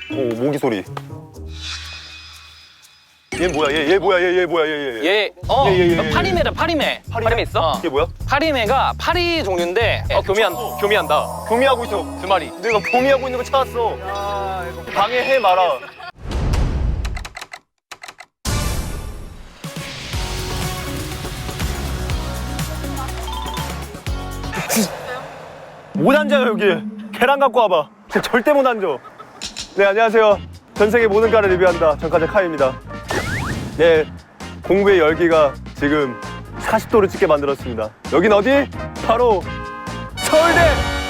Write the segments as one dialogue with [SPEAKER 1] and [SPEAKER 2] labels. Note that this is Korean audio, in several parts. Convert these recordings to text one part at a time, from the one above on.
[SPEAKER 1] 오, 모기 소리. 얘 뭐야? 얘 뭐야? 얘 뭐야?
[SPEAKER 2] 얘 파리매다, 파리매. 파리매 있어?
[SPEAKER 1] 이게 뭐야?
[SPEAKER 2] 파리매가 파리 종류인데 교미한다.
[SPEAKER 1] 교미하고 있어.
[SPEAKER 2] 2마리.
[SPEAKER 1] 내가 교미하고 있는 거 찾았어. 방해해 마라. 못 앉아요 여기. 계란 갖고 와봐. 절대 못 앉아. 네, 안녕하세요. 전 세계 모든 과를 리뷰한다. 전과자 카이입니다. 네, 공부의 열기가 지금 40도를 찍게 만들었습니다. 여긴 어디? 바로 서울대!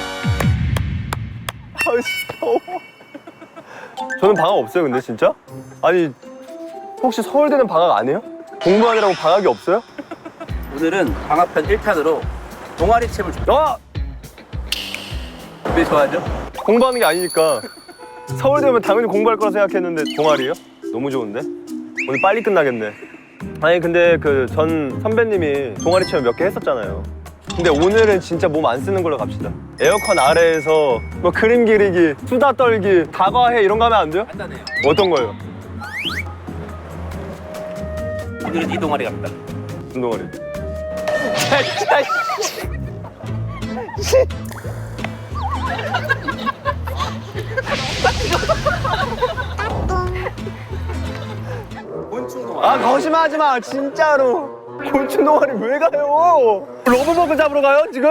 [SPEAKER 1] 아이씨, 더워. 저는 방학 없어요, 근데 진짜? 아니, 혹시 서울대는 방학 안 해요? 공부하느라고 방학이 없어요?
[SPEAKER 3] 오늘은 방학편 1탄으로 동아리 챔을 왜 좋아하죠?
[SPEAKER 1] 공부하는 게 아니니까. 서울대 오면 당연히 공부할 거라 생각했는데 동아리요? 너무 좋은데? 오늘 빨리 끝나겠네. 아니 근데 그 전 선배님이 동아리 체험 몇 개 했었잖아요. 근데 오늘은 진짜 몸 안 쓰는 걸로 갑시다. 에어컨 아래에서 뭐 그림 그리기, 수다 떨기, 다과해 이런 거 하면 안 돼요?
[SPEAKER 3] 간단해요.
[SPEAKER 1] 어떤 거예요?
[SPEAKER 3] 오늘은 이 동아리 갑니다.
[SPEAKER 1] 무슨 동아리?
[SPEAKER 3] 곤충 동아리.
[SPEAKER 1] 아 거짓말하지 마 진짜로. 곤충 동아리 왜 가요? 러브버그 잡으러 가요 지금?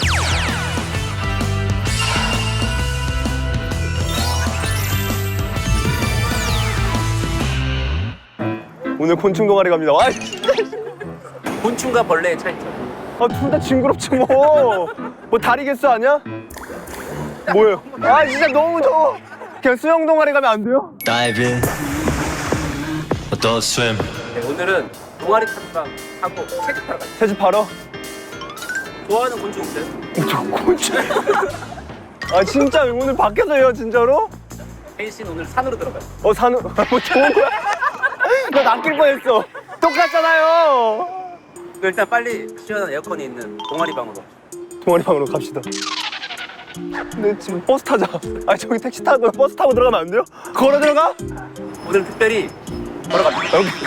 [SPEAKER 1] 오늘 곤충 동아리 갑니다. 와 진짜.
[SPEAKER 3] 곤충과 벌레의 차이점.
[SPEAKER 1] 아 둘 다 징그럽지 뭐. 뭐 다리 개수 아니야? 뭐예요? 아 진짜 너무 더워. 그냥 수영 동아리 가면 안 돼요?
[SPEAKER 4] Dive in, adult swim.
[SPEAKER 3] 네, 오늘은 동아리 탐방 하고 책 타러 가요.
[SPEAKER 1] 채집하러?
[SPEAKER 3] 좋아하는 곤충 있어요?
[SPEAKER 1] 저 곤충. 아 진짜 오늘 밖에서 해요 진짜로?
[SPEAKER 3] 혜인 씨는 오늘 산으로 들어가요.
[SPEAKER 1] 산후 뭐 좋은 거야? 나 낚일 뻔했어. 똑같잖아요.
[SPEAKER 3] 일단 빨리 시원한 에어컨이 있는 동아리 방으로.
[SPEAKER 1] 동아리 방으로 갑시다. 근데 지금 버스 타자. 아니 저기 택시 타고 버스 타고 들어가면 안 돼요? 걸어 들어가?
[SPEAKER 3] 오늘 특별히 걸어갑니다.
[SPEAKER 1] 여기.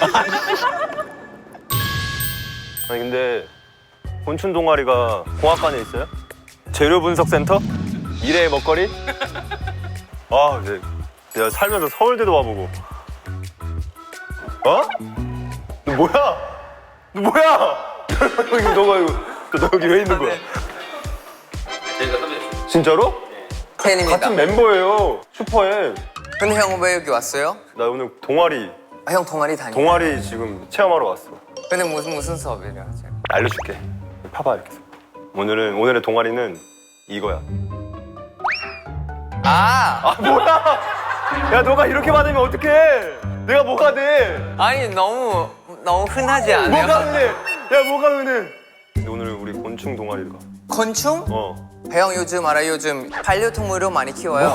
[SPEAKER 1] 아니 근데 곤충 동아리가 공학관에 있어요? 재료 분석 센터? 미래의 먹거리? 아, 내가 살면서 서울대도 와보고. 어? 너 뭐야? 너 뭐야? 너 여기 왜 있는 거야?
[SPEAKER 3] 저희가 선배님.
[SPEAKER 1] 진짜로?
[SPEAKER 5] 팬입니다.
[SPEAKER 1] 같은 멤버예요. 슈퍼엠.
[SPEAKER 5] 근데 형 왜 여기 왔어요?
[SPEAKER 1] 나 오늘 동아리
[SPEAKER 5] 형 동아리 다니.
[SPEAKER 1] 동아리 지금 체험하러 왔어.
[SPEAKER 5] 근데 무슨 수업이래요?
[SPEAKER 1] 알려줄게. 봐봐 이렇게. 오늘의 동아리는 이거야.
[SPEAKER 5] 아,
[SPEAKER 1] 뭐야? 야 너가 이렇게 받으면 어떡해? 내가 뭐가 돼?
[SPEAKER 5] 아니 너무 흔하지 않아요?
[SPEAKER 1] 뭐가 은혜? 야 뭐가 은혜? 근데 오늘 우리 곤충 동아리를 가.
[SPEAKER 5] 곤충?
[SPEAKER 1] 어.
[SPEAKER 5] 형 요즘 알아요? 요즘 반려동물을 많이 키워요.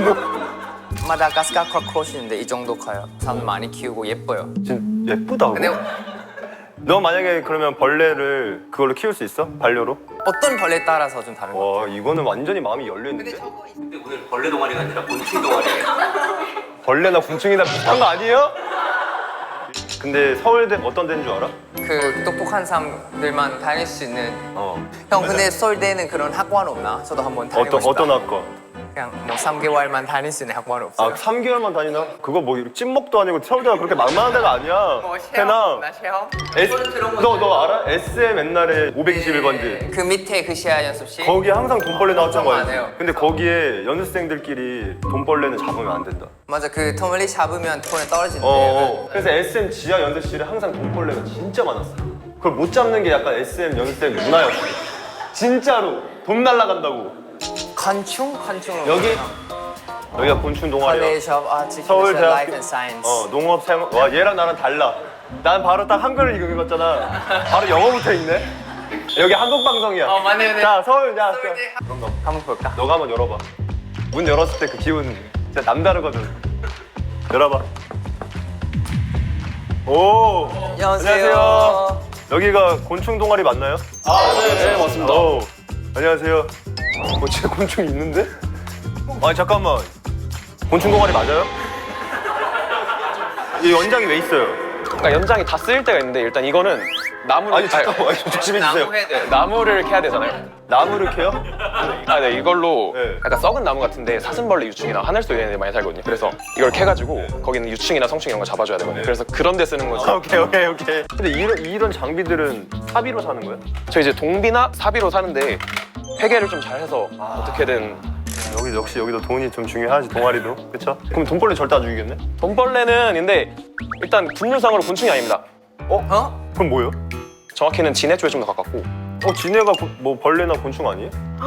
[SPEAKER 5] 마다가스카 크로코시인데 이 정도 커요. 사람 많이 키우고 예뻐요.
[SPEAKER 1] 진짜 예쁘다고?
[SPEAKER 5] 근데
[SPEAKER 1] 너 만약에 그러면 벌레를 그걸로 키울 수 있어? 반려로?
[SPEAKER 5] 어떤 벌레에 따라서 좀 다른 거.
[SPEAKER 1] 와 이거는 완전히 마음이 열려있는데?
[SPEAKER 3] 근데 오늘 벌레 동아리가 아니라 곤충 동아리예요.
[SPEAKER 1] 벌레나 곤충이나 비슷한 거 아니에요? 근데 서울대 어떤 데인 줄 알아?
[SPEAKER 5] 그 똑똑한 사람들만 다닐 수 있는.
[SPEAKER 1] 어.
[SPEAKER 5] 형 근데 서울대는 그런 학원 없나? 저도 한번 다니고 싶다.
[SPEAKER 1] 어떤 학과?
[SPEAKER 5] 그냥 뭐 3개월만 다닐 수 있는 학원 없어요?
[SPEAKER 1] 아 3개월만 다니나? 그거 뭐 찐먹도 아니고 서울대가 그렇게 만만한 데가 아니야. 태나
[SPEAKER 5] 나 시험?
[SPEAKER 1] 너 알아? SM 옛날에 521번지
[SPEAKER 5] 그 밑에 그 시야 연습실?
[SPEAKER 1] 거기 항상 돈벌레 나왔던
[SPEAKER 5] 걱정 안
[SPEAKER 1] 거야.
[SPEAKER 5] 해요.
[SPEAKER 1] 근데 거기에 연습생들끼리 돈벌레는 잡으면 안 된다.
[SPEAKER 5] 맞아, 그 터널리 잡으면 톤에 떨어진대.
[SPEAKER 1] 그래서 SM 지하 연습실에 항상 돈벌레가 진짜 많았어. 그걸 못 잡는 게 약간 SM 연습생 문화였어. 진짜로 돈 날라간다고.
[SPEAKER 5] 곤충?
[SPEAKER 1] 여기가 곤충 동아리야.
[SPEAKER 5] College of Artificial
[SPEAKER 1] 서울대학교
[SPEAKER 5] Life and Science.
[SPEAKER 1] 농업생. 와 얘랑 나랑 달라. 난 바로 딱 한글을 읽었잖아. 바로 영어부터 읽네. 여기 한국 방송이야.
[SPEAKER 5] 맞네.
[SPEAKER 1] 자 서울 야.
[SPEAKER 5] 한번 볼까?
[SPEAKER 1] 너가 한번 열어봐. 문 열었을 때 그 기분 진짜 남다르거든. 열어봐. 오.
[SPEAKER 5] 안녕하세요.
[SPEAKER 1] 여기가 곤충 동아리 맞나요? 네, 맞습니다. 안녕하세요. 진짜 곤충이 있는데? 아니 잠깐만. 곤충 동아리 맞아요? 이 연장이 왜 있어요?
[SPEAKER 2] 그러니까 연장이 다 쓰일 때가 있는데 일단 이거는 나무를
[SPEAKER 1] 아니 잠깐만 조심해 주세요.
[SPEAKER 2] 나무를 캐야 되잖아요.
[SPEAKER 1] 나무를 캐요?
[SPEAKER 2] 아, 네, 이걸로
[SPEAKER 1] 네.
[SPEAKER 2] 약간 썩은 나무 같은데 사슴벌레 유충이나 하늘소 이런 애들 많이 살거든요. 그래서 이걸 캐가지고 거기는 유충이나 성충 이런 거 잡아줘야 되거든요. 그래서 그런 데 쓰는 거죠.
[SPEAKER 1] 오케이. 근데 이런 장비들은 사비로 사는 거예요?
[SPEAKER 2] 저 이제 동비나 사비로 사는데 회계를 좀 잘해서 어떻게든
[SPEAKER 1] 역시 여기도 돈이 좀 중요하지 동아리도 그쵸? 그럼 돈벌레 절대 안 죽이겠네?
[SPEAKER 2] 돈벌레는 근데 일단 분류상으로 곤충이 아닙니다.
[SPEAKER 1] 그럼 뭐예요?
[SPEAKER 2] 정확히는 진해 쪽에 좀 더 가깝고
[SPEAKER 1] 지네가 뭐 벌레나 곤충 아니에요?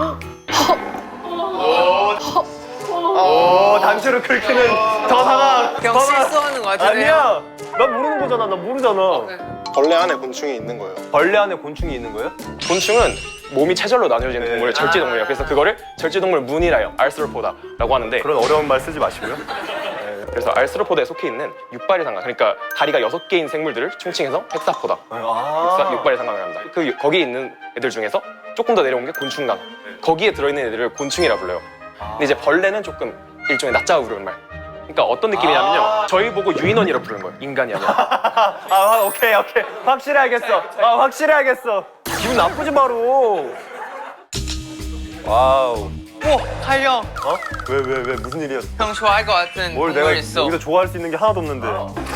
[SPEAKER 1] 오 단추를 긁히는 저 상황
[SPEAKER 5] 형 실수하는 거 같은데.
[SPEAKER 1] 아니야 난 모르는 거잖아 나 모르잖아
[SPEAKER 6] 벌레 안에 곤충이 있는 거예요.
[SPEAKER 1] 벌레 안에 곤충이 있는 거예요?
[SPEAKER 2] 곤충은 몸이 체절로 나뉘어지는
[SPEAKER 1] 네.
[SPEAKER 2] 동물을 절지동물이에요. 그래서 그거를 절지동물 문이라요. 알스로포다라고 하는데
[SPEAKER 1] 그런 어려운 말 쓰지 마시고요
[SPEAKER 2] 그래서 알스로포다에 속해 있는 육발이 상각 그러니까 다리가 6개인 생물들을 총칭해서 헥사포다 육발이 상각을 합니다. 거기에 있는 애들 중에서 조금 더 내려온 게 곤충강 거기에 들어있는 애들을 곤충이라 불러요. 근데 이제 벌레는 조금 일종의 낮자고 부르는 말. 그러니까 어떤 느낌이냐면요 저희 보고 유인원이라 부르는 거예요. 인간이 아니라.
[SPEAKER 1] 오케이 확실히 알겠어 확실히 알겠어 기분 나쁘지 마로 와우
[SPEAKER 5] 오, 칼령.
[SPEAKER 1] 왜 무슨 일이었어?
[SPEAKER 5] 형 좋아할 것 같은
[SPEAKER 1] 뭘 내가
[SPEAKER 5] 동물 있어.
[SPEAKER 1] 여기서 좋아할 수 있는 게 하나도 없는데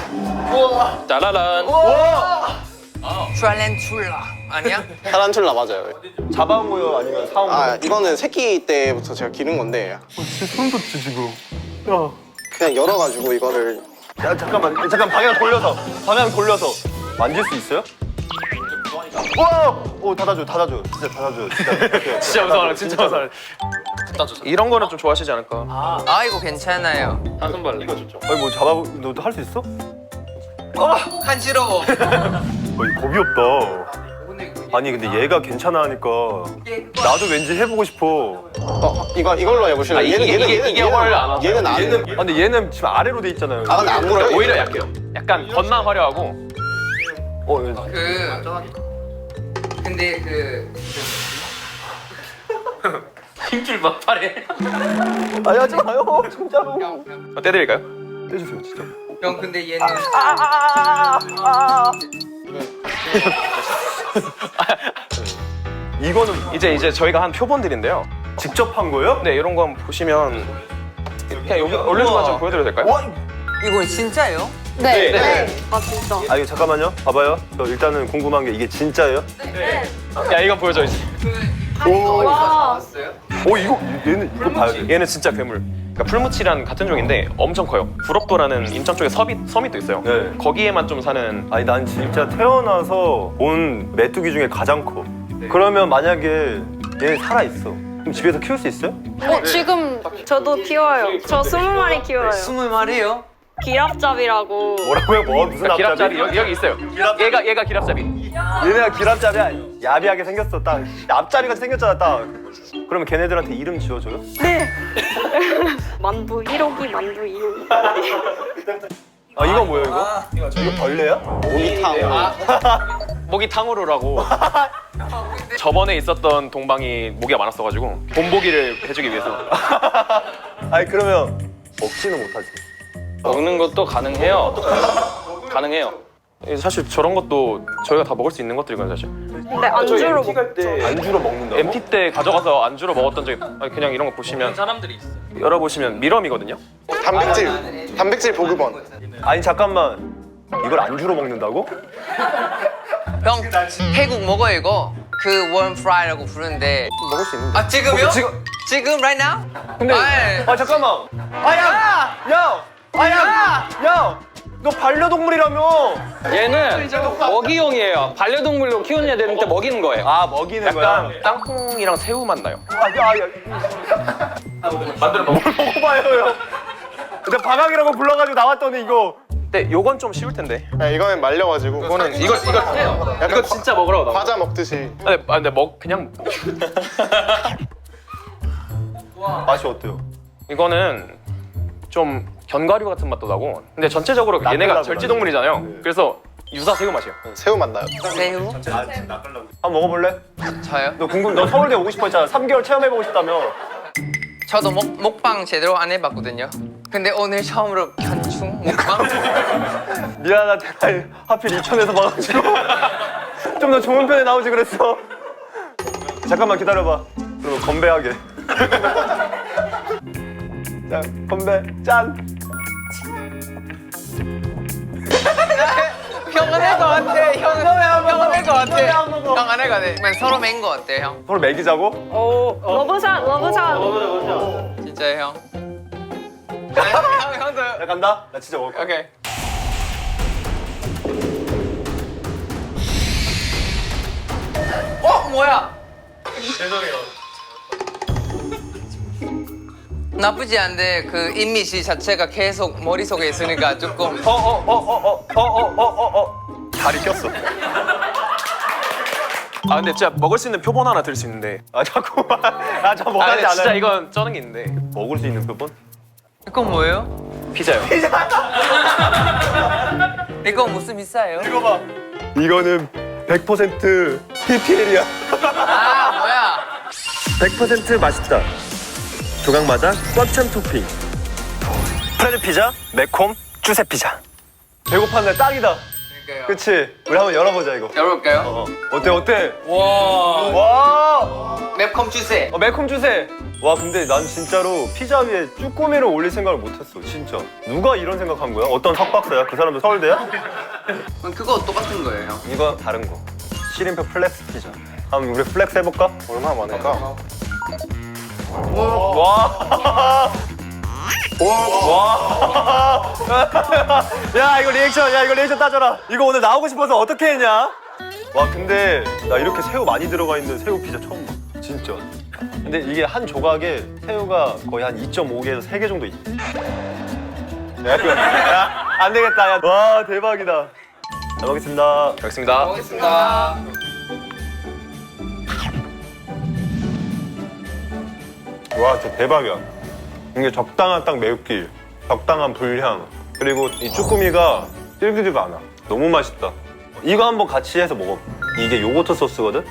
[SPEAKER 2] 짜라란.
[SPEAKER 5] 트랄렌툴라 아니야?
[SPEAKER 6] 타란툴라 맞아요.
[SPEAKER 1] 잡아온 거요 아니면 사온 거요?
[SPEAKER 6] 이거는 새끼 때부터 제가 기른 건데
[SPEAKER 1] 진짜 소름 돋지 지금
[SPEAKER 6] 그냥 열어가지고 이거를
[SPEAKER 1] 야 잠깐 방향 돌려서 만질 수 있어요? 오 닫아줘 진짜 닫아줘 진짜
[SPEAKER 2] 진짜 무서워라 진짜 무서워라. 이런 거는 좀 좋아하시지 않을까.
[SPEAKER 5] 아 이거 괜찮아요.
[SPEAKER 2] 사슴벌레 이거 좋죠.
[SPEAKER 1] 아니 뭐 너도 할 수 있어?
[SPEAKER 5] 간지러워.
[SPEAKER 1] 겁이 없다 아니 근데 얘가 괜찮아 하니까 나도 왠지 해보고 싶어
[SPEAKER 6] 이걸로 해보실래요?
[SPEAKER 2] 이게 훨 안 와서.
[SPEAKER 6] 얘는 안
[SPEAKER 1] 얘는 근데 얘는 지금 아래로 돼 있잖아요
[SPEAKER 6] 근데 안 물어요.
[SPEAKER 2] 오히려 약해요. 약간 겉만 화려하고
[SPEAKER 5] 근데
[SPEAKER 2] 힘줄 막 팔에.
[SPEAKER 1] 아니 하지 마요 진짜로
[SPEAKER 2] 떼드릴까요?
[SPEAKER 1] 해주세요 진짜
[SPEAKER 5] 형 근데 얘는
[SPEAKER 1] 이거는
[SPEAKER 2] 이제 저희가 한 표본들인데요.
[SPEAKER 1] 직접 한 거예요?
[SPEAKER 2] 네 이런 거 한번 보시면 그냥 여기 올려주면 좀 보여드려도 될까요?
[SPEAKER 1] 와
[SPEAKER 5] 이건 진짜예요?
[SPEAKER 2] 네.
[SPEAKER 7] 아 진짜.
[SPEAKER 1] 이거 잠깐만요 봐봐요 저 일단은 궁금한 게 이게 진짜예요?
[SPEAKER 2] 야 이거 보여줘 이제.
[SPEAKER 7] 와.
[SPEAKER 1] 이거 얘는 이거 봐야 돼
[SPEAKER 2] 얘는 진짜 괴물. 그러니까 풀무치랑 같은 종인데 엄청 커요. 부럭도라는 인천 쪽에 섬이 또 있어요.
[SPEAKER 1] 네.
[SPEAKER 2] 거기에만 좀 사는.
[SPEAKER 1] 아니 난 진짜 태어나서 본 메뚜기 중에 가장 커 그러면 만약에 얘 살아있어 그럼 집에서 키울 수 있어요?
[SPEAKER 7] 지금 저도 키워요. 저 20마리 키워요.
[SPEAKER 5] 20마리요?
[SPEAKER 7] 기랍잡이라고.
[SPEAKER 1] 뭐라고요? 무슨
[SPEAKER 2] 기랍잡이 여기 있어요. 얘가 기랍잡이.
[SPEAKER 1] 얘네가 기랍잡이야 야비하게 생겼어 딱 앞자리같이 생겼잖아 딱 그러면 걔네들한테 이름 지어줘요?
[SPEAKER 7] 네. 만두 1호기, 만두 2호기.
[SPEAKER 1] 이거 뭐예요 이거? 이거 벌레야?
[SPEAKER 6] 모기탕.
[SPEAKER 2] 모기 탕후루라고. 저번에 있었던 동방이 모기가 많았어가지고 본보기를 해주기 위해서.
[SPEAKER 1] 아니 그러면 먹지는 못하지
[SPEAKER 2] 먹는 것도 가능해요. 가능해요. 사실 저런 것도 저희가 다 먹을 수 있는 것들이거든요 사실.
[SPEAKER 7] 근데 안주로 먹죠.
[SPEAKER 1] 안주로 먹는다고?
[SPEAKER 2] MT 때 가져가서 안주로 먹었던 적이 그냥 이런 거 보시면 사람들이 있어요. 열어보시면 미럼이거든요.
[SPEAKER 6] 단백질 보급원.
[SPEAKER 1] 아니 잠깐만 이걸 안주로 먹는다고?
[SPEAKER 5] 형 태국 먹어요 이거. 그 원 프라이라고 부르는데.
[SPEAKER 1] 먹을 수 있는데
[SPEAKER 5] 아 지금요?
[SPEAKER 1] 지금-
[SPEAKER 5] 지금 right now?
[SPEAKER 1] 근데
[SPEAKER 5] 아이.
[SPEAKER 1] 잠깐만 야! 너 반려동물이라며
[SPEAKER 2] 얘는 먹이용이에요. 반려동물로 키우는 애들한테 먹이는 거예요.
[SPEAKER 1] 먹이는 거야?
[SPEAKER 2] 약간 땅콩이랑 새우 맛 나요.
[SPEAKER 1] 만들어 먹어봐요 형 근데 방학이라고 불러가지고 나왔더니 이거
[SPEAKER 2] 근데 요건 좀 쉬울 텐데.
[SPEAKER 6] 이거는 말려가지고
[SPEAKER 2] 이거는 이거
[SPEAKER 6] 약간
[SPEAKER 2] 진짜 먹으라고 나온
[SPEAKER 6] 과자 먹듯이.
[SPEAKER 2] 근데 그냥
[SPEAKER 1] 맛이 어때요?
[SPEAKER 2] 이거는 좀 견과류 같은 맛도 나고. 근데 전체적으로 얘네가
[SPEAKER 1] 나끌라고
[SPEAKER 2] 절지동물이잖아요.
[SPEAKER 1] 네.
[SPEAKER 2] 그래서 유사 새우 맛이에요.
[SPEAKER 6] 새우 맛 나요.
[SPEAKER 5] 새우?
[SPEAKER 1] 한번 먹어볼래?
[SPEAKER 5] 저요?
[SPEAKER 1] 너 서울대 오고 싶어 했잖아 3개월 체험해보고 싶다며
[SPEAKER 5] 저도 먹방 제대로 안 해봤거든요. 근데 오늘 처음으로 견충 먹방?
[SPEAKER 1] 미안하다. 하필 이천에서 봐가지고 좀 더 좋은 편에 나오지 그랬어. 잠깐만 기다려봐. 그럼 건배하게. 자, 건배 짠.
[SPEAKER 5] 형은 할 것 같아. 형은 할 것 같아. 형 안 할 것 같아. 그냥 서로 맨 거 어때 형?
[SPEAKER 1] 서로 먹이자고?
[SPEAKER 7] 러브샷 러브샷.
[SPEAKER 5] 진짜요 형? 형도.
[SPEAKER 1] 나 간다. 나 진짜 먹을 거야.
[SPEAKER 5] 오케이. 뭐야?
[SPEAKER 1] 죄송해요.
[SPEAKER 5] 나쁘지 않은데 그 이미지 자체가 계속 머릿속에 있으니까 조금
[SPEAKER 1] 다리 꼈어.
[SPEAKER 2] 아 근데 진짜 먹을 수 있는 표본 하나 드릴 수 있는데.
[SPEAKER 1] 아 자꾸만. 아저
[SPEAKER 2] 아
[SPEAKER 1] 뭐하지
[SPEAKER 2] 근데 진짜
[SPEAKER 1] 않아요.
[SPEAKER 2] 이건 쩌는 게 있는데.
[SPEAKER 1] 먹을 수 있는 표본?
[SPEAKER 5] 이건 뭐예요?
[SPEAKER 2] 피자요.
[SPEAKER 5] 이거 무슨 비싸요?
[SPEAKER 1] 이거 봐. 이거는 100% PPL이야.
[SPEAKER 5] 아 뭐야?
[SPEAKER 1] 100% 맛있다. 조각마다 꽉 찬 토핑. 프레드 피자, 매콤, 주세 피자. 배고팠네, 딱이다.
[SPEAKER 5] 그러니까요.
[SPEAKER 1] 그치? 우리 한번 열어보자 이거.
[SPEAKER 5] 열어볼까요?
[SPEAKER 1] 어때 어때?
[SPEAKER 5] 와
[SPEAKER 1] 와,
[SPEAKER 5] 맵콤 주세.
[SPEAKER 1] 매콤 주세. 와 근데 난 진짜로 피자 위에 쭈꾸미를 올릴 생각을 못했어 진짜. 누가 이런 생각한 거야? 어떤 석박사야? 그 사람도 서울대야?
[SPEAKER 5] 그거 똑같은 거예요 형.
[SPEAKER 1] 이거 다른 거. 시림표 플렉스 피자. 한번 우리 플렉스 해볼까?
[SPEAKER 6] 얼마나 많을까?
[SPEAKER 1] 와. 와. 야 이거 리액션 따져라. 이거 오늘 나오고 싶어서 어떻게 했냐? 와 근데 나 이렇게 새우 많이 들어가 있는 새우 피자 처음 봐. 진짜. 근데 이게 한 조각에 새우가 거의 한 2.5개에서 3개 정도 있. 야, 안 되겠다. 야. 와 대박이다. 잘 먹겠습니다.
[SPEAKER 2] 알겠습니다.
[SPEAKER 5] 먹겠습니다.
[SPEAKER 1] 와 진짜 대박이야. 이게 적당한 딱 매운기, 적당한 불향, 그리고 이 쭈꾸미가 질기지가 않아. 너무 맛있다. 이거 한번 같이 해서 먹어. 이게 요거트 소스거든?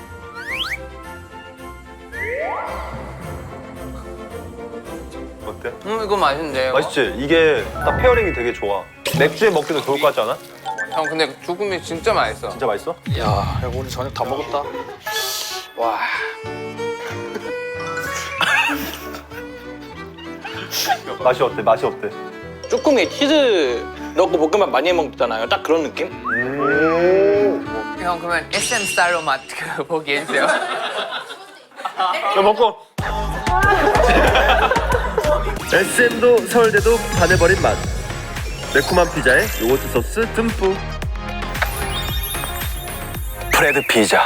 [SPEAKER 1] 어때?
[SPEAKER 5] 이거 맛있는데요?
[SPEAKER 1] 맛있지? 이게 딱 페어링이 되게 좋아. 맥주에 먹기도 좋을 것 같지 않아?
[SPEAKER 5] 형 근데 죽음이 진짜 맛있어.
[SPEAKER 1] 진짜 맛있어?
[SPEAKER 6] 야, 오늘 저녁 다 먹었다. 와.
[SPEAKER 1] 맛이 어때? 맛이 어때?
[SPEAKER 8] 쭈꾸미에 치즈 넣고 볶음밥 많이 해 먹잖아요. 딱 그런 느낌?
[SPEAKER 5] 형 그러면 SM 스타일로 맛 보기 해주세요.
[SPEAKER 1] 야 먹고. SM도 서울대도 반해버린 맛. 매콤한 피자에 요거트 소스 듬뿍. 프레드 피자.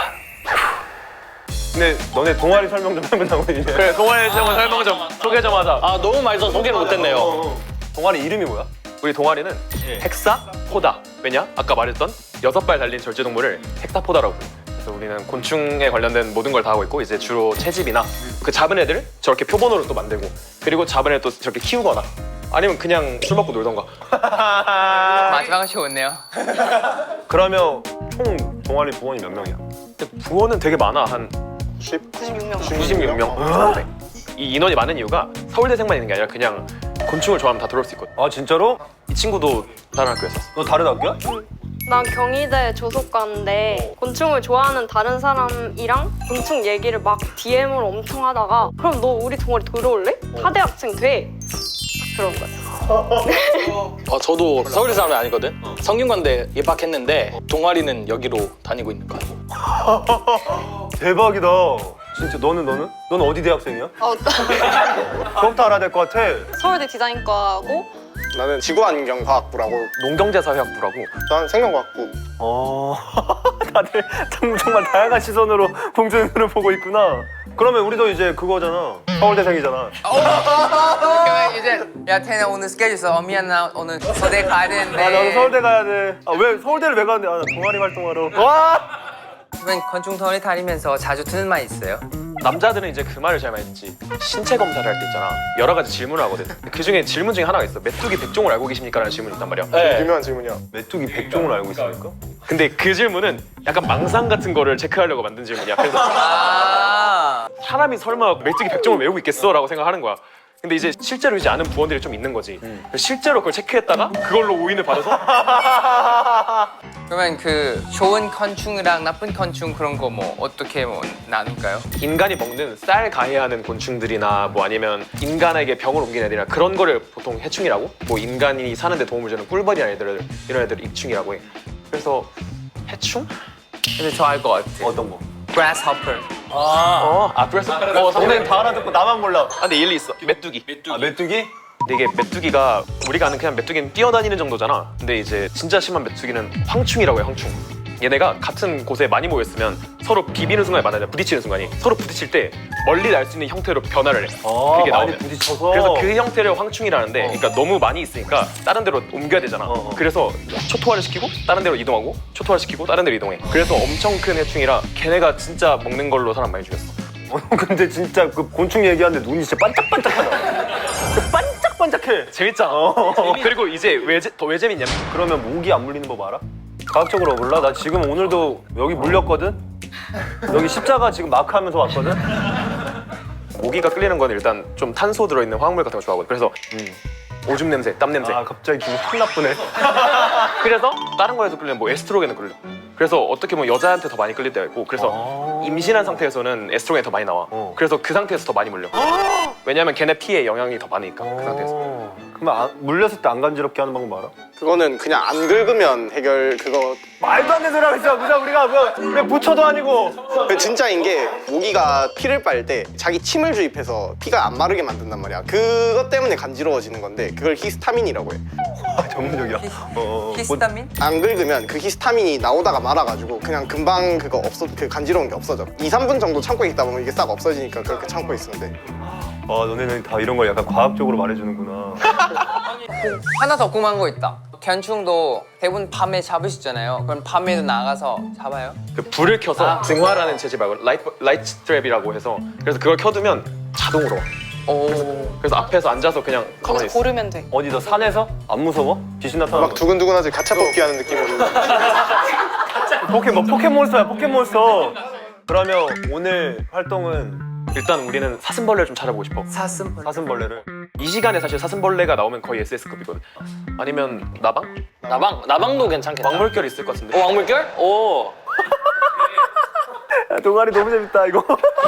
[SPEAKER 1] 근데 너네 동아리 설명 좀 해보자고 이제.
[SPEAKER 2] 그래 동아리 좀 설명 좀 소개 좀 하자.
[SPEAKER 8] 아 너무 맛있어서 소개를 못했네요.
[SPEAKER 1] 동아리 이름이 뭐야?
[SPEAKER 2] 우리 동아리는 헥사포다. 왜냐? 아까 말했던 6발 달린 절제동물을 헥사포다라고 불러요. 그래서 우리는 곤충에 관련된 모든 걸 다 하고 있고 이제 주로 채집이나 그 잡은 애들 저렇게 표본으로 또 만들고 그리고 잡은 애들 또 저렇게 키우거나 아니면 그냥 술 먹고 놀던가.
[SPEAKER 5] 마지막은 좋네요.
[SPEAKER 1] 그러면 총 동아리 부원이 몇 명이야?
[SPEAKER 2] 근데 부원은 되게 많아. 한
[SPEAKER 7] 96명.
[SPEAKER 2] 96명. 이 인원이 많은 이유가 서울대생만 있는 게 아니라 그냥 곤충을 좋아하면 다 들어올 수 있거든.
[SPEAKER 1] 아 진짜로?
[SPEAKER 2] 이 친구도 다른 학교였어.
[SPEAKER 1] 너 다른 학교야?
[SPEAKER 7] 난 경희대 조속과인데 곤충을 좋아하는 다른 사람이랑 곤충 얘기를 막 DM으로 엄청 하다가 그럼 너 우리 동아리 들어올래? 하대학생 돼. 그런 거야.
[SPEAKER 8] 저도 서울대 사람은 아니거든. 성균관대 입학했는데 동아리는 여기로 다니고 있는 거야.
[SPEAKER 1] 대박이다. 진짜 너는? 너는 어디 대학생이야? 그것도 알아야 될 것 같아.
[SPEAKER 7] 서울대 디자인과고
[SPEAKER 6] 나는 지구환경과학부라고.
[SPEAKER 2] 농경제사회학부라고.
[SPEAKER 6] 난 생명과학부.
[SPEAKER 1] 다들 정말 다양한 시선으로 봉준이를 보고 있구나. 그러면 우리도 이제 그거잖아. 서울대생이잖아.
[SPEAKER 5] 그러면 이제 야 태나 오늘 스케줄 있어. 미안 나 오늘 서대 가야 되는데.
[SPEAKER 1] 아 나도 서울대 가야 돼. 아 왜 서울대를 왜 가는데? 아 나 동아리 활동하러. 와!
[SPEAKER 5] 그러면 건축 동아리 다니면서 자주 듣는 말 있어요?
[SPEAKER 2] 남자들은 이제 그 말을 잘 많이 듣지. 신체 검사를 할 때 있잖아. 여러 가지 질문을 하거든. 그 중에 질문 중에 하나가 있어. 메뚜기 100종을 알고 계십니까? 라는 질문이 있단 말이야.
[SPEAKER 8] 네.
[SPEAKER 6] 유명한 질문이야.
[SPEAKER 1] 메뚜기 100종을 알고 있습니까?
[SPEAKER 2] 근데 그 질문은 약간 망상 같은 거를 체크하려고 만든 질문이야. 그래서
[SPEAKER 5] 아.
[SPEAKER 2] 사람이 설마 메뚜기 100종을 외우고 있겠어? 라고 생각하는 거야. 근데 이제 실제로 이제 아는 부원들이 좀 있는 거지. 실제로 그걸 체크했다가 그걸로 오인을 받아서
[SPEAKER 5] 그러면 그 좋은 건충이랑 나쁜 건충 그런 거 뭐 어떻게 뭐 나눌까요?
[SPEAKER 2] 인간이 먹는 쌀 가해하는 곤충들이나 뭐 아니면 인간에게 병을 옮기는 애들이나 그런 거를 보통 해충이라고, 뭐 인간이 사는데 도움을 주는 꿀벌이나 애들, 이런 애들 익충이라고 해. 그래서 해충?
[SPEAKER 5] 근데 저 알 것 같아.
[SPEAKER 1] 어떤 거?
[SPEAKER 5] Grasshopper.
[SPEAKER 2] 그래서
[SPEAKER 1] 너네는 다 알아듣고 나만 몰라.
[SPEAKER 2] 근데 일리 있어. 메뚜기.
[SPEAKER 1] 아, 메뚜기?
[SPEAKER 2] 근데 이게 메뚜기가 우리가 아는 그냥 메뚜기는 뛰어다니는 정도잖아. 근데 이제 진짜 심한 메뚜기는 황충이라고 해. 황충. 얘네가 같은 곳에 많이 모였으면 서로 비비는 순간에 만나냐, 부딪히는 순간이 서로 부딪힐 때 멀리 날 수 있는 형태로 변화를 해. 그게
[SPEAKER 1] 많이
[SPEAKER 2] 나오면.
[SPEAKER 1] 부딪혀서.
[SPEAKER 2] 그래서 그 형태를 황충이라는데, 그러니까 너무 많이 있으니까 다른 데로 옮겨야 되잖아. 그래서 초토화를 시키고 다른 데로 이동하고, 초토화를 시키고 다른 데로 이동해. 그래서 엄청 큰 해충이라 걔네가 진짜 먹는 걸로 사람 많이 죽였어.
[SPEAKER 1] 근데 진짜 그 곤충 얘기하는데 눈이 진짜 반짝반짝하다. 반짝반짝해.
[SPEAKER 2] 재밌잖아. 그리고 이제 더 왜 재밌냐면,
[SPEAKER 1] 그러면 모기 안 물리는 법 알아? 과학적으로 몰라? 나 지금 오늘도 여기 물렸거든? 여기 십자가 지금 마크하면서 왔거든?
[SPEAKER 2] 모기가 끌리는 건 일단 좀 탄소 들어있는 화학물 같은 거 좋아하거든. 그래서 오줌 냄새, 땀 냄새.
[SPEAKER 1] 아 갑자기 기분 확 나쁘네.
[SPEAKER 2] 그래서 다른 거에서 끌리면 뭐 에스트로겐을 끌려. 그래서 어떻게 보면 여자한테 더 많이 끌릴 때가 있고, 그래서 임신한 상태에서는 에스트로겐이 더 많이 나와. 그래서 그 상태에서 더 많이 물려. 왜냐면 걔네 피에 영향이 더 많으니까 그 상태에서.
[SPEAKER 1] 그러면 물렸을 때 안 간지럽게 하는 방법 알아?
[SPEAKER 6] 그거는 그냥 안 긁으면 해결. 그거
[SPEAKER 1] 말도 안 되는 소리 하고 있어. 무슨 우리가 왜 부처도 아니고.
[SPEAKER 6] 그 진짜인 게, 모기가 피를 빨 때 자기 침을 주입해서 피가 안 마르게 만든단 말이야. 그것 때문에 간지러워지는 건데 그걸 히스타민이라고 해.
[SPEAKER 1] 아, 전문적이야.
[SPEAKER 5] 히스타민?
[SPEAKER 6] 안 긁으면 그 히스타민이 나오다가 말아가지고 그냥 금방 그 간지러운 게 없어져. 2-3분 정도 참고 있다 보면 이게 싹 없어지니까 그렇게 참고 있으면 돼.
[SPEAKER 1] 아, 너네는 다 이런 걸 약간 과학적으로 말해주는구나.
[SPEAKER 5] 하나 더 궁금한 거 있다. 견충도 대부분 밤에 잡으시잖아요. 그럼 밤에도 나가서 잡아요?
[SPEAKER 2] 그 불을 켜서 증화라는 재질 말고 라이트 트랩이라고 해서, 그래서 그걸 켜두면 자동으로 와.
[SPEAKER 5] 오.
[SPEAKER 2] 그래서 앞에서 앉아서 그냥 가만히 있어.
[SPEAKER 7] 고르면 돼.
[SPEAKER 1] 어디서 산에서? 안 무서워? 귀신 나타나는
[SPEAKER 6] 막
[SPEAKER 1] 거.
[SPEAKER 6] 두근두근하지. 가차 뽑기 하는 느낌으로.
[SPEAKER 1] 포켓몬스터야, 포켓몬스터. 그러면 오늘 활동은
[SPEAKER 2] 일단 우리는 사슴벌레를 좀 찾아보고 싶어.
[SPEAKER 1] 사슴벌레를.
[SPEAKER 2] 이 시간에 사실 사슴벌레가 나오면 거의 SS급이거든. 아니면 나방?
[SPEAKER 8] 나방도 괜찮겠다.
[SPEAKER 2] 왕물결 있을 것 같은데.
[SPEAKER 8] 왕물결? 오.
[SPEAKER 1] 야, 동아리 너무 재밌다 이거.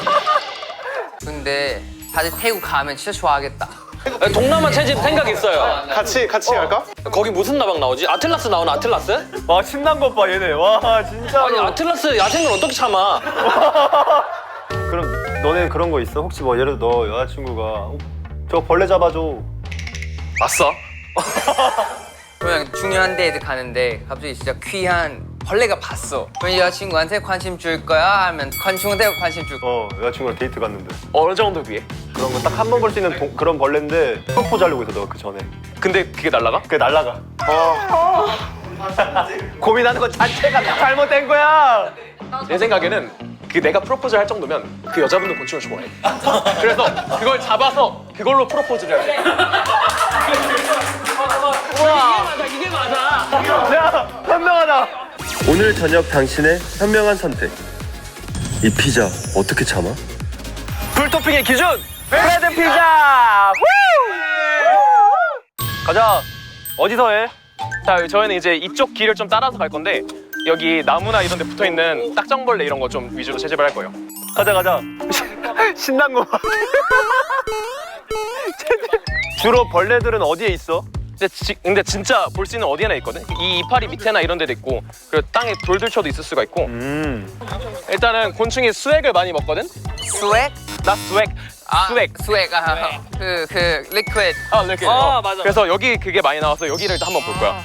[SPEAKER 5] 근데 다들 태국 가면 진짜 좋아하겠다.
[SPEAKER 8] 동남아 채집 생각 있어요.
[SPEAKER 6] 같이 할까?
[SPEAKER 8] 거기 무슨 나방 나오지? 아틀라스 나오나? 아틀라스?
[SPEAKER 1] 와, 신난 것 봐 얘네. 와, 진짜로.
[SPEAKER 8] 아니 아틀라스 야생을 어떻게 참아?
[SPEAKER 1] 그럼 너네 그런 거 있어? 혹시 뭐 예를 들어 너 여자친구가 저 벌레 잡아줘.
[SPEAKER 2] 아싸.
[SPEAKER 5] 그러면 중요한 데에 가는데 갑자기 진짜 귀한 벌레가 봤어. 그럼 여자친구한테 관심 줄 거야? 아니면 건충한테 관심 줄 거야?
[SPEAKER 1] 여자친구랑 데이트 갔는데
[SPEAKER 2] 어느 정도 위에?
[SPEAKER 1] 그런 거 딱 한 번 볼 수 있는 그런 벌레인데 프로포즈 하려고 있어 너 그 전에.
[SPEAKER 2] 근데 그게 날라가?
[SPEAKER 1] 그게 날라가. 고민하는 것 자체가 잘못된 거야.
[SPEAKER 2] 내 생각에는 그 내가 프로포즈를 할 정도면 그 여자분도 곤충을 좋아해. 그래서 그걸 잡아서 그걸로 프로포즈를 해야 돼.
[SPEAKER 8] 이게 맞아.
[SPEAKER 1] 야, 현명하다. 오늘 저녁 당신의 현명한 선택. 이 피자 어떻게 참아? 풀토핑의 기준 브레드 피자. 가자. 어디서 해?
[SPEAKER 2] 자, 저희는 이제 이쪽 길을 좀 따라서 갈 건데, 여기 나무나 이런 데 붙어있는 딱정벌레 이런 거 좀 위주로 채집을 할 거예요.
[SPEAKER 1] 가자. 신난 거 봐. 주로 벌레들은 어디에 있어?
[SPEAKER 2] 근데 진짜 볼 수 있는 어디에나 있거든? 이 이파리 밑에나 이런 데도 있고, 그리고 땅에 돌들쳐도 있을 수가 있고. 일단은 곤충이 수액을 많이 먹거든?
[SPEAKER 5] 스웩?
[SPEAKER 2] 나 수액. 수액.
[SPEAKER 5] 스웩. 그 리퀴드.
[SPEAKER 2] 이렇게.
[SPEAKER 8] 맞아.
[SPEAKER 2] 그래서 여기 그게 많이 나와서 여기를 일단 한번 볼 거야.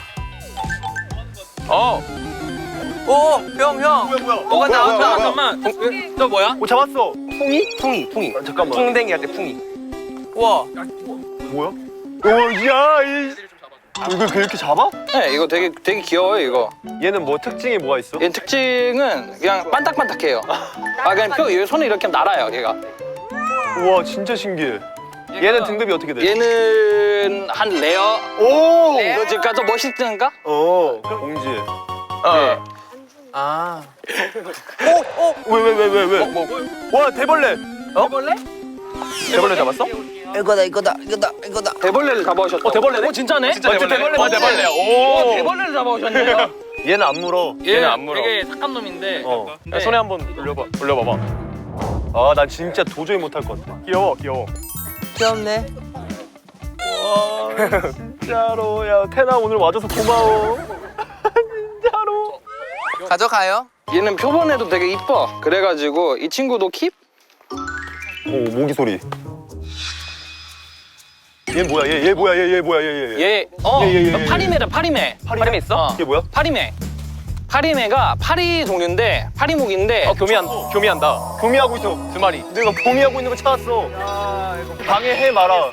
[SPEAKER 5] 오, 형. 뭐가 나온다.
[SPEAKER 8] 잠깐만. 저 뭐야?
[SPEAKER 1] 오, 잡았어.
[SPEAKER 2] 풍이.
[SPEAKER 1] 잠깐만.
[SPEAKER 2] 풍뎅이 할 때 풍이.
[SPEAKER 5] 우와.
[SPEAKER 1] 뭐야? 야, 이거 그렇게 잡아?
[SPEAKER 8] 네, 이거 되게 귀여워요 이거.
[SPEAKER 1] 얘는 뭐 특징이 뭐가 있어?
[SPEAKER 8] 얘 특징은 그냥 반딱반딱해요. 그냥 얘 손에 이렇게 날아요 얘가.
[SPEAKER 1] 우와, 진짜 신기해. 얘는 등급이 어떻게 돼?
[SPEAKER 8] 얘는 한 레어.
[SPEAKER 1] 오!
[SPEAKER 8] 이거 지금 더 멋있던가?
[SPEAKER 1] 공지.
[SPEAKER 2] 어.
[SPEAKER 5] 아.
[SPEAKER 1] 왜? 와, 대벌레.
[SPEAKER 5] 벌레?
[SPEAKER 2] 대벌레 잡았어?
[SPEAKER 5] 이거다.
[SPEAKER 8] 대벌레를 잡아오셨다.
[SPEAKER 2] 대벌레네?
[SPEAKER 8] 진짜네?
[SPEAKER 2] 진짜 대벌레.
[SPEAKER 8] 대벌레.
[SPEAKER 2] 오.
[SPEAKER 8] 대벌레를 잡아오셨네요.
[SPEAKER 1] 얘는 안 물어.
[SPEAKER 2] 얘는 안 물어.
[SPEAKER 8] 되게 착한 놈인데.
[SPEAKER 2] 야, 손에 한번 올려봐봐.
[SPEAKER 1] 아, 난 진짜 도저히 못할 것 같아.
[SPEAKER 2] 귀여워.
[SPEAKER 5] 귀엽네.
[SPEAKER 1] 와, 진짜로. 야, 태나 오늘 와줘서 고마워. 진짜로.
[SPEAKER 5] 가져가요.
[SPEAKER 8] 얘는 표본에도 되게 이뻐. 그래가지고 이 친구도 킵?
[SPEAKER 1] 오, 모기 소리. 얘 뭐야? 얘 뭐야? 얘 뭐야? 얘.
[SPEAKER 8] 얘 파리매다 파리매.
[SPEAKER 2] 파리매 있어?
[SPEAKER 1] 이게 뭐야?
[SPEAKER 8] 파리매. 파리매가 파리 종류인데 파리목인데
[SPEAKER 2] 교미한다.
[SPEAKER 1] 교미하고 있어.
[SPEAKER 2] 2마리.
[SPEAKER 1] 내가 교미하고 있는 거 찾았어. 방해해 마라.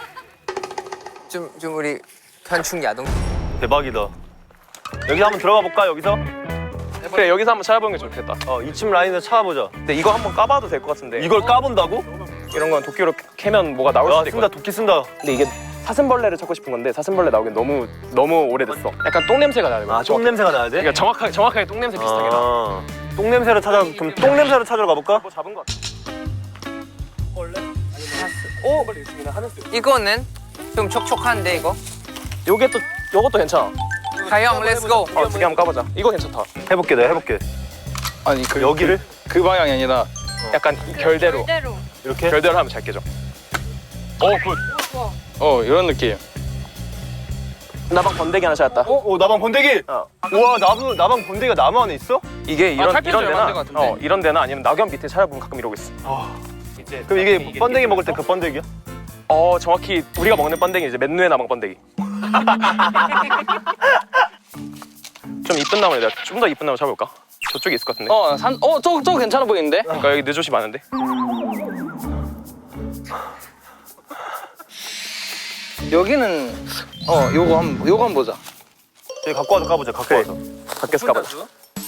[SPEAKER 5] 좀 우리 현충 야동.
[SPEAKER 1] 대박이다. 여기 한번 들어가 볼까? 여기서?
[SPEAKER 2] 그래, 여기서 한번 찾아보는 게 좋겠다.
[SPEAKER 1] 2층 라인에서 찾아보자.
[SPEAKER 2] 근데 이거 한번 까봐도 될 것 같은데.
[SPEAKER 1] 이걸 까본다고?
[SPEAKER 2] 이런 건 도끼로 캐면 뭐가 나올
[SPEAKER 1] 야,
[SPEAKER 2] 수도
[SPEAKER 1] 쓴다.
[SPEAKER 2] 있거든.
[SPEAKER 1] 도끼 쓴다.
[SPEAKER 2] 근데 이게 사슴벌레를 찾고 싶은 건데 사슴벌레 나오긴 너무 오래됐어. 약간 똥 냄새가 나는 거야.
[SPEAKER 1] 똥 냄새가 나야 돼?
[SPEAKER 2] 그러니까 정확하게 똥 냄새 비슷하게 나.
[SPEAKER 1] 똥 냄새를 그럼 똥 냄새를 찾으러 가볼까?
[SPEAKER 2] 뭐 잡은 거 같아.
[SPEAKER 5] 이거는 좀 촉촉한데 이거.
[SPEAKER 2] 요것도 괜찮아.
[SPEAKER 5] 가영, 렛츠고.
[SPEAKER 2] 2개 한번 까보자. 이거 괜찮다.
[SPEAKER 1] 해볼게, 내가 해볼게.
[SPEAKER 8] 아니
[SPEAKER 1] 여기를
[SPEAKER 8] 그 방향이 아니라
[SPEAKER 2] 약간 결대로.
[SPEAKER 7] 이대로.
[SPEAKER 1] 이렇게?
[SPEAKER 2] 결대로 하면 잘 깨져. 굿.
[SPEAKER 8] 이런 느낌.
[SPEAKER 2] 나방 번데기 하나 찾았다.
[SPEAKER 1] 나방 번데기! 우와, 나방 번데기가 나무 안에 있어?
[SPEAKER 2] 이게 이런
[SPEAKER 5] 탈피해줘야
[SPEAKER 2] 데나
[SPEAKER 5] 만들 것 같은데.
[SPEAKER 2] 이런 데나 아니면 낙엽 밑에 찾아보면 가끔 이러고 있어.
[SPEAKER 1] 그럼 이게 번데기 먹을 때 그 번데기야?
[SPEAKER 2] 정확히 우리가 먹는 번데기 이제 맨누에 나방 번데기. 좀 이쁜 나무를 내가 좀 더 이쁜 나무 찾아볼까? 저쪽에 있을 것 같은데.
[SPEAKER 8] 저거 괜찮아 보이는데?
[SPEAKER 2] 그러니까 여기 느조시 많은데.
[SPEAKER 8] 여기는 요거 한번 보자.
[SPEAKER 1] 여기 갖고 와서 까보자, 갖고 와서.
[SPEAKER 2] 밖에서 까보자.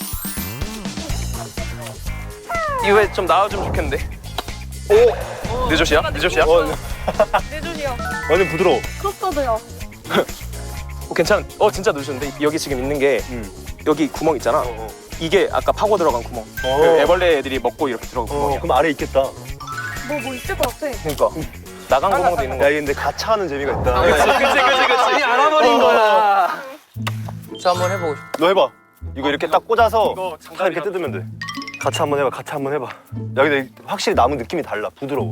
[SPEAKER 2] 이후에 좀 나와주면 좋겠는데. 느조시야? 느조시야?
[SPEAKER 7] 내 눈이야.
[SPEAKER 1] 완전 부드러워.
[SPEAKER 7] 크로스터드야.
[SPEAKER 2] 괜찮. 진짜 느조인데 여기 지금 있는 게 여기 구멍 있잖아. 이게 아까 파고 들어간 구멍. 그 애벌레 애들이 먹고 이렇게 들어간 구멍이야.
[SPEAKER 1] 그럼 아래 있겠다.
[SPEAKER 7] 뭐 있을 것 같아.
[SPEAKER 2] 그러니까 나간 구멍도 있는
[SPEAKER 1] 야,
[SPEAKER 2] 거야.
[SPEAKER 1] 근데 가차하는 재미가 있다.
[SPEAKER 2] 그치.
[SPEAKER 8] 알아버린 거야.
[SPEAKER 5] 저 한번 해보고 싶어.
[SPEAKER 1] 너 해봐. 이거 이렇게 딱 꽂아서
[SPEAKER 2] 이거
[SPEAKER 1] 딱 이렇게 뜯으면 돼. 가차 한번 해봐, 가차 한번 해봐. 야, 근데 확실히 나무 느낌이 달라, 부드러워.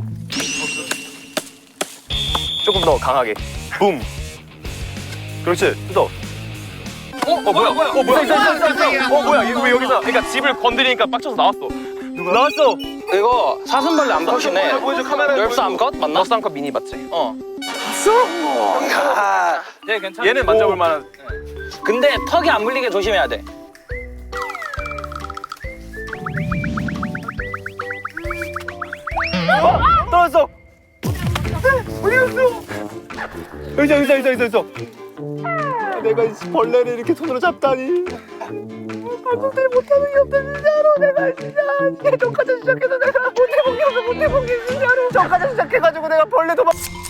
[SPEAKER 2] 조금 더 강하게.
[SPEAKER 1] 붐. 그렇지, 뜯어.
[SPEAKER 2] 뭐야? 뭐야? 이거 왜 여기서? 그러니까 집을 건드리니까 빡쳐서 나왔어.
[SPEAKER 1] 나왔어.
[SPEAKER 8] 이거 사슴벌레 암컷이네.
[SPEAKER 1] 보여줘, 카메라에
[SPEAKER 8] 널스 암컷 맞나?
[SPEAKER 2] 너스 한컵 미니 맞지?
[SPEAKER 8] 얘 괜찮아.
[SPEAKER 2] 얘는 만져볼 만한.
[SPEAKER 8] 근데 턱이 안 물리게 조심해야 돼.
[SPEAKER 1] 떨어졌어. 어디 갔어? 의자. 내가 이 벌레를 이렇게 손으로 잡다니. 발톱질 못하는 게 없다 진짜로. 내가 진짜 저까지 시작해서 내가 못해본 게 진짜로. 저까지 시작해가지고 내가 벌레 도망.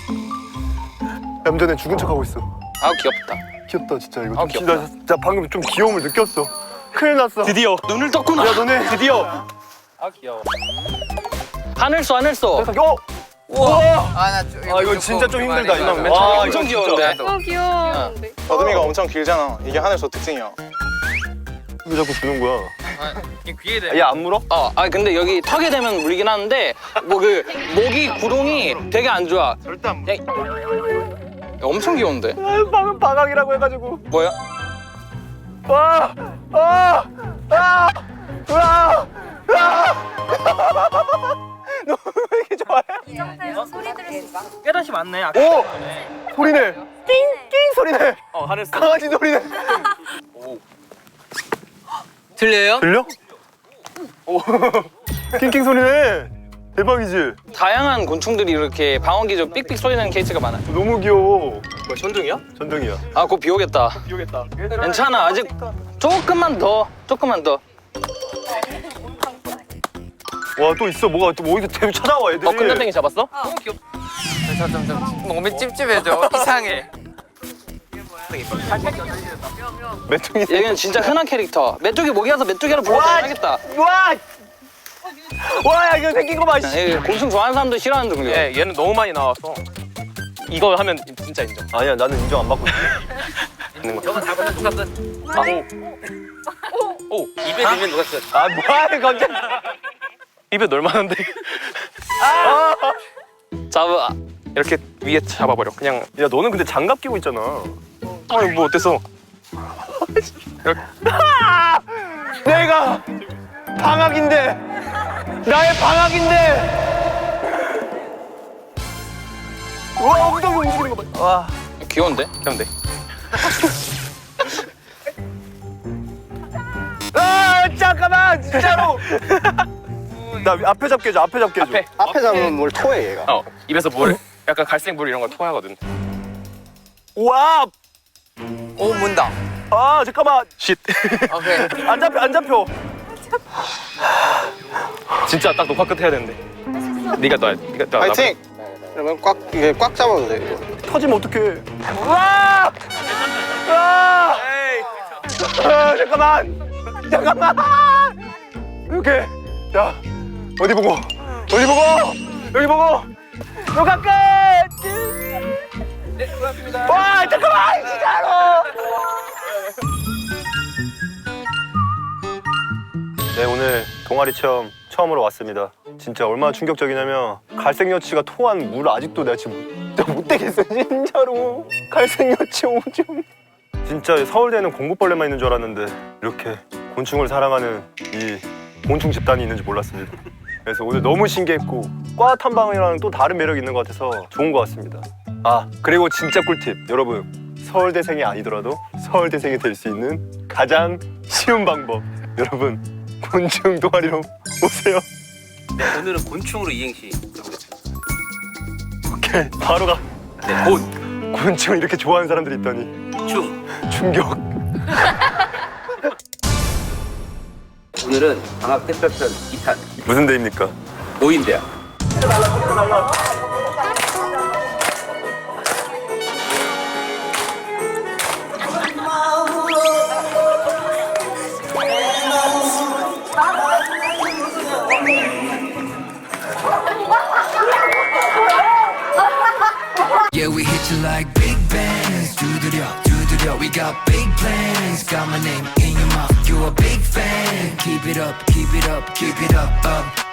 [SPEAKER 1] 얌전해 죽은 척하고 있어.
[SPEAKER 8] 아우 귀엽다.
[SPEAKER 1] 귀엽다 진짜 이거.
[SPEAKER 8] 아, 귀엽다.
[SPEAKER 1] 진짜 방금 좀 귀여움을 느꼈어. 큰일 났어.
[SPEAKER 2] 드디어.
[SPEAKER 8] 눈을 떴구나.
[SPEAKER 1] 야 너네 드디어.
[SPEAKER 8] 아 귀여워. 하늘소.
[SPEAKER 5] 아,
[SPEAKER 1] 이거 진짜 좀 힘들다 이놈.
[SPEAKER 2] 맨
[SPEAKER 1] 와
[SPEAKER 2] 처음에
[SPEAKER 1] 이거
[SPEAKER 8] 엄청 귀여운데.
[SPEAKER 7] 너무 귀여운데.
[SPEAKER 6] 더듬이가 엄청 길잖아. 이게 하늘소 특징이야.
[SPEAKER 1] 왜 자꾸 주는 거야?
[SPEAKER 5] 귀에 대.
[SPEAKER 1] 얘 안 물어?
[SPEAKER 8] 근데 여기 턱에 대면 물리긴 하는데 뭐 그 모기 구름이 되게 안 좋아.
[SPEAKER 1] 절대 안 물어.
[SPEAKER 8] 엄청 귀여운데.
[SPEAKER 1] 방금 방학이라고 해가지고.
[SPEAKER 8] 뭐야?
[SPEAKER 1] 너 왜 이렇게 좋아해?
[SPEAKER 9] 이 상태에서 소리 들을 수 있어.
[SPEAKER 8] 깨닫이 많네.
[SPEAKER 1] 오! 소리네. 낑낑 소리네.
[SPEAKER 2] 하늘소.
[SPEAKER 1] 강아지 소리네.
[SPEAKER 5] 들려요?
[SPEAKER 1] 들려? 오. 낑낑 소리네. 대박이지?
[SPEAKER 8] 다양한 곤충들이 이렇게 방언기조 삑삑 소리 나는 케이스가 많아.
[SPEAKER 1] 너무 귀여워.
[SPEAKER 2] 뭐야, 천둥이야?
[SPEAKER 1] 전등이야.
[SPEAKER 8] 아, 곧 비 오겠다.
[SPEAKER 2] 비오겠다.
[SPEAKER 8] 괜찮아. 아직 조금만 더.
[SPEAKER 1] 와 또 있어. 뭐가 또 어디서 계속 찾아와 애들이.
[SPEAKER 2] 끝난댕이 잡았어?
[SPEAKER 5] 좀 몸이 찝찝해져. 이상해.
[SPEAKER 1] 메뚜기.
[SPEAKER 8] 얘는 진짜 흔한 캐릭터. 메뚜기 모기라서 메뚜기를 불러도 하겠다.
[SPEAKER 1] 와! 와, 야, 이거 생긴 거 봐. 씨.
[SPEAKER 8] 예, 곤충 좋아하는 사람도 싫어하는 종류.
[SPEAKER 2] 예, 얘는 너무 많이 나와서 이거 하면 진짜 인정.
[SPEAKER 1] 아니야, 나는 인정 안 받고 있어.
[SPEAKER 2] 있는 거.
[SPEAKER 3] 저거 잡으면 누가 끝.
[SPEAKER 2] 오,
[SPEAKER 3] 입에 넣으면 누가 끝.
[SPEAKER 1] 아, 뭐야, 갑자기.
[SPEAKER 2] 입에 넣을 만한데.
[SPEAKER 8] 잡아.
[SPEAKER 2] 이렇게 위에 잡아버려. 그냥
[SPEAKER 1] 야, 너는 근데 장갑 끼고 있잖아.
[SPEAKER 2] 아니 뭐 어때서? 이렇게.
[SPEAKER 1] 내가 방학인데, 나의 방학인데. 와, 엉덩이 움직이는 거 봐. 와.
[SPEAKER 8] 귀여운데?
[SPEAKER 2] 그럼 돼.
[SPEAKER 1] 아, 잠깐만, 진짜로. 나 앞에 잡게 해줘, 앞에 잡게 해줘.
[SPEAKER 2] 앞에.
[SPEAKER 6] 잡으면 뭘 토해 얘가.
[SPEAKER 2] 입에서 물, 약간 갈색 물 이런 거 토하거든.
[SPEAKER 1] 와,
[SPEAKER 5] 오 문다.
[SPEAKER 1] 아, 잠깐만.
[SPEAKER 2] 쉿.
[SPEAKER 5] 오케이.
[SPEAKER 1] 안 잡혀, 안 잡혀.
[SPEAKER 2] 진짜 딱 녹화 끝 해야 되는데. 네가 놔. 네가 놔.
[SPEAKER 6] 파이팅! 그러면 이게 꽉 잡아도 돼 이거.
[SPEAKER 1] 터지면 어떡해. 와! 와! 아, 잠깐만. 잠깐만. 이렇게. 자, 어디 보고? 어디 보고? 여기 보고. 녹화 끝. 네, 고맙습니다. 와, 잠깐만, 진짜로. 네, 오늘 동아리 체험 처음으로 왔습니다. 진짜 얼마나 충격적이냐면 갈색 여치가 토한 물 아직도 내가 지금 못 되겠어, 진짜로. 갈색 여치 오줌. 진짜 서울대는 공구벌레만 있는 줄 알았는데 이렇게 곤충을 사랑하는 이 곤충 집단이 있는지 몰랐습니다. 그래서 오늘 너무 신기했고 과 탐방이랑 또 다른 매력이 있는 것 같아서 좋은 것 같습니다. 아, 그리고 진짜 꿀팁. 여러분, 서울대생이 아니더라도 서울대생이 될 수 있는 가장 쉬운 방법. 여러분, 곤충 동아리로 오세요.
[SPEAKER 3] 네, 오늘은 곤충으로 이행시 해보겠습니다.
[SPEAKER 1] 오케이, 바로 가.
[SPEAKER 3] 네, 곤,
[SPEAKER 1] 곤충을 이렇게 좋아하는 사람들이 있다니.
[SPEAKER 3] 충.
[SPEAKER 1] 충격.
[SPEAKER 3] 오늘은 방학 특별편 2탄
[SPEAKER 1] 무슨 데입니까?
[SPEAKER 3] 노인대학.
[SPEAKER 10] Yeah, we hit you like big bands. 두드려, we got big plans. Got my name in your mouth, you a big fan. Keep it up, keep it up, keep it up, up.